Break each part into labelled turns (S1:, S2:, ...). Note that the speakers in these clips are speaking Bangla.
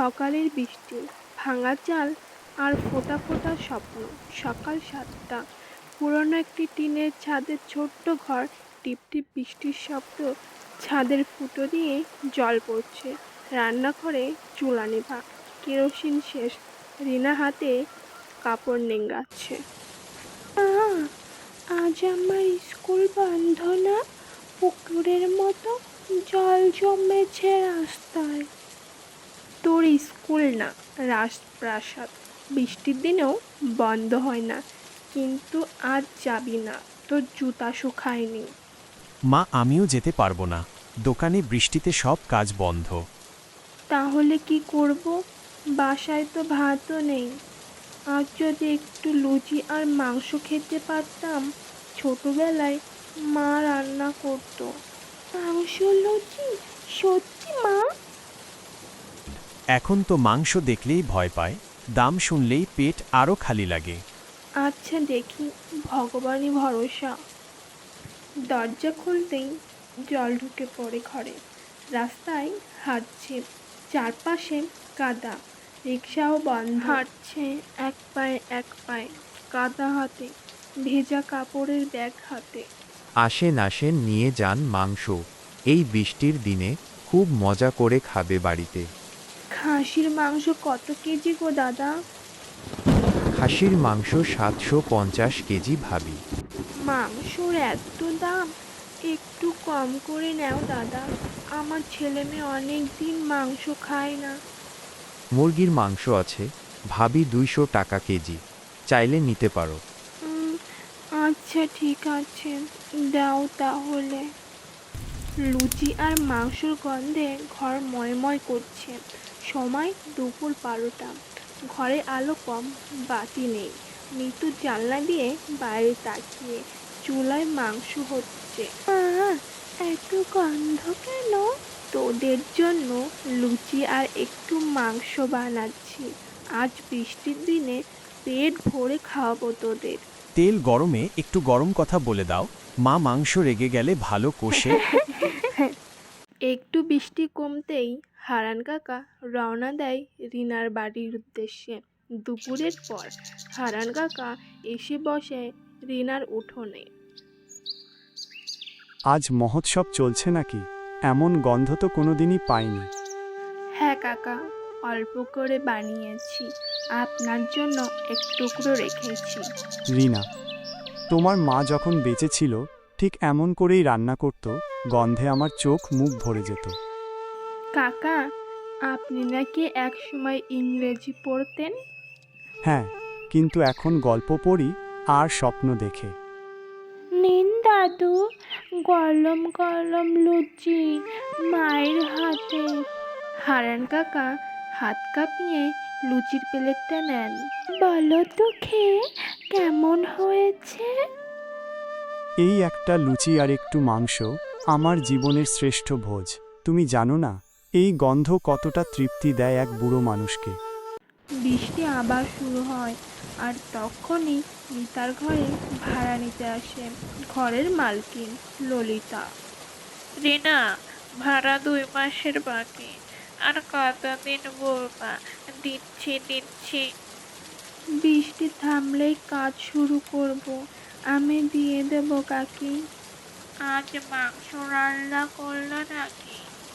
S1: সকালের বৃষ্টি, ভাঙা চাল আর ফোঁটা ফোঁটা স্বপ্ন। সকাল ৭টা, পুরনো একটি টিনের ছাদের ছোট্ট ঘর। টিপ টিপ বৃষ্টির শব্দ, ছাদের ফুটো দিয়ে জল পড়ছে। রান্নাঘরে চুলা নেভা, কেরোসিন শেষ। রিনা হাতে কাপড় নেংড়াচ্ছে। মা, আজ আমার স্কুল বন্ধ না? পুকুরের মতো জল জমেছে রাস্তায়। তোর স্কুল না, রাজপ্রাসাদ। বৃষ্টির দিনেও বন্ধ হয় না। কিন্তু আজ যাবি না, তোর জুতা শুকায়নি।
S2: মা, আমিও যেতে পারবো না। দোকানে বৃষ্টিতে সব কাজ বন্ধ।
S1: তাহলে কি করব? বাসায় তো ভাতও নেই। আজ যদি একটু লুচি আর মাংস খেতে পারতাম। ছোটবেলায় মা রান্না করতো। মাংস, লুচি? সত্যি মা?
S2: এখন তো মাংস দেখলেই ভয় পায়, দাম শুনলেই পেট আরও খালি লাগে।
S1: আচ্ছা দেখি, ভগবানই ভরসা। দরজা খুলতেই জল ঢুকে পড়ে ঘরে। রাস্তায় হাঁটছে, চারপাশে কাদা। রিকশাও বন্ধ। হাঁটছে এক পায়ে এক পায়ে, কাদা হাতে, ভেজা কাপড়ের ব্যাগ হাতে।
S3: আসেন আসেন, নিয়ে যান মাংস। এই বৃষ্টির দিনে খুব মজা করে খাবে বাড়িতে।
S1: খাসির মাংস কত কেজি গো দাদা?
S3: খাসির মাংস ৭৫০ কেজি ভাবি।
S1: মাংসর এত দাম? একটু কম করে নাও দাদা। আমার ছেলে মেয়ে অনেক দিন মাংস খায় না।
S3: মুরগির মাংস আছে ভাবি, ২০০ টাকা কেজি। চাইলে নিতে পারো।
S1: উম, আচ্ছা ঠিক আছে, দাও তাহলে। লুচি আর মাংসর গন্ধে ঘর ময়ময় করছে। সময় দুপুর ১২টা। ঘরে আলো কম, বাতি নেই। মৃত্যু জানলা দিয়ে বাইরে তাকিয়ে। চুলায় মাংস হচ্ছে। মা, এত গন্ধ কেন? তোদের জন্য লুচি আর একটু মাংস বানাচ্ছি। আজ বৃষ্টির দিনে পেট ভরে খাওয়াবো তোদের।
S2: তেল গরমে একটু গরম কথা বলে দাও। মা মাংস রেগে গেলে ভালো কষে।
S1: একটু বৃষ্টি কমতেই হারান কাকা রওনা দেয় রিনার বাড়ির উদ্দেশ্যে। দুপুরের পর হারান কাকা এসে বসে রিনার উঠোনে।
S4: আজ মহোৎসব চলছে নাকি? এমন গন্ধ তো কোনোদিনই পাইনি।
S1: হ্যাঁ কাকা, অল্প করে বানিয়েছি। আপনার জন্য এক টুকরো রেখেছি।
S4: রিনা, তোমার মা যখন বেঁচে ছিল ঠিক এমন করেই রান্না করত, গন্ধে আমার চোখ মুখ ভরে যেত।
S1: কাকা, আপনি নাকি এক সময় ইংরেজি পড়তেন?
S4: হ্যাঁ, কিন্তু এখন গল্প পড়ি আর স্বপ্ন দেখে।
S1: নিন দাদু, গরম গরম লুচি মায়ের হাতে। হারান কাকা হাত কাঁপিয়ে লুচির প্লেটটা নেন। বলো তো খেয়ে কেমন হয়েছে?
S4: এই একটা লুচি আর একটু মাংস আমার জীবনের শ্রেষ্ঠ ভোজ। তুমি জানো না, এই গন্ধ কতটা তৃপ্তি দেয় এক বুড়ো মানুষকে।
S1: বৃষ্টি আবার শুরু হয়, আর তখনই মিতার ঘরে ভাড়া নিতে আসে ঘরের মালকিন ললিতা।
S5: রিনা, ভাড়া ২ মাসের বাকি। আর কতদিন বলবা দিচ্ছি দিচ্ছি?
S1: বৃষ্টি থামলেই কাজ শুরু করব। আমি দিয়ে দেব কাকি।
S5: আজ মাংস রান্না করলো নাকি?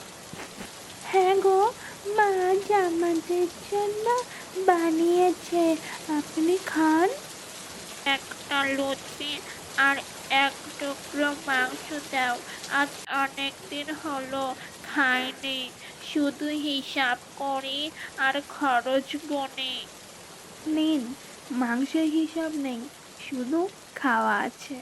S1: হ্যাঁ গো, মা আজ আমাদের জন্য বানিয়েছে। আপনি খান।
S5: একটা লুচি আর এক টুকরো মাংস দাও। আজ অনেক দিন হলো খাইনি। শুধু হিসাব করি আর খরচ গুনি।
S1: নিন, মাংসের হিসাব নেই, শুধু খাওয়া আছে।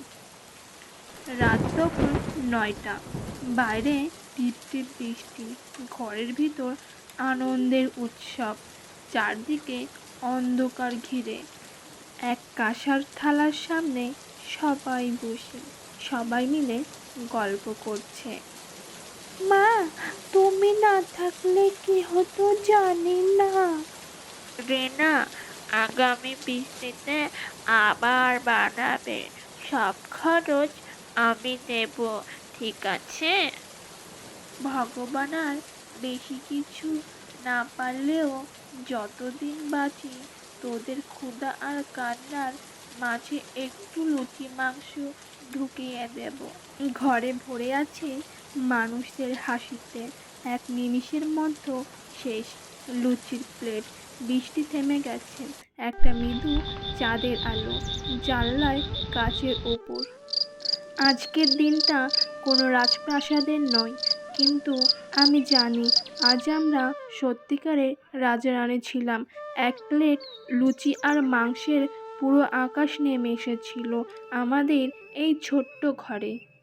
S1: রাত তখন ৯টা। বাইরে টিপ টিপ বৃষ্টি, ঘরের ভিতর আনন্দের উৎসব। চারদিকে অন্ধকার ঘিরে। এক কাঁসার থালার সামনে সবাই বসে, সবাই মিলে গল্প করছে। মা, তুমি না থাকলে কি হতো জানি না।
S5: রিনা, আগামী বৃষ্টিতে আবার বানাবে। সব খরচ আমি দেব, ঠিক আছে?
S1: ভগবান আর বেশি কিছু
S5: না পারলেও যতদিন বাঁচি তোদের ক্ষুধা আর কান্নার মাঝে একটু লুচি মাংস ঢুকিয়ে দেব।
S1: ঘরে ভরে আছে মানুষদের হাসিতে, এক নিমিষের মধ্যে শেষ লুচির প্লেট। বৃষ্টি থেমে গেছে, একটা মৃদু চাঁদের আলো জানলায় কাচের ওপর। আজকের দিনটা কোনো রাজপ্রাসাদের নয়, কিন্তু আমি জানি আজ আমরা সত্যিকারের রাজা রানী ছিলাম। এক প্লেট লুচি আর মাংসের পুরো আকাশ নেমে এসেছিল আমাদের এই ছোট্ট ঘরে।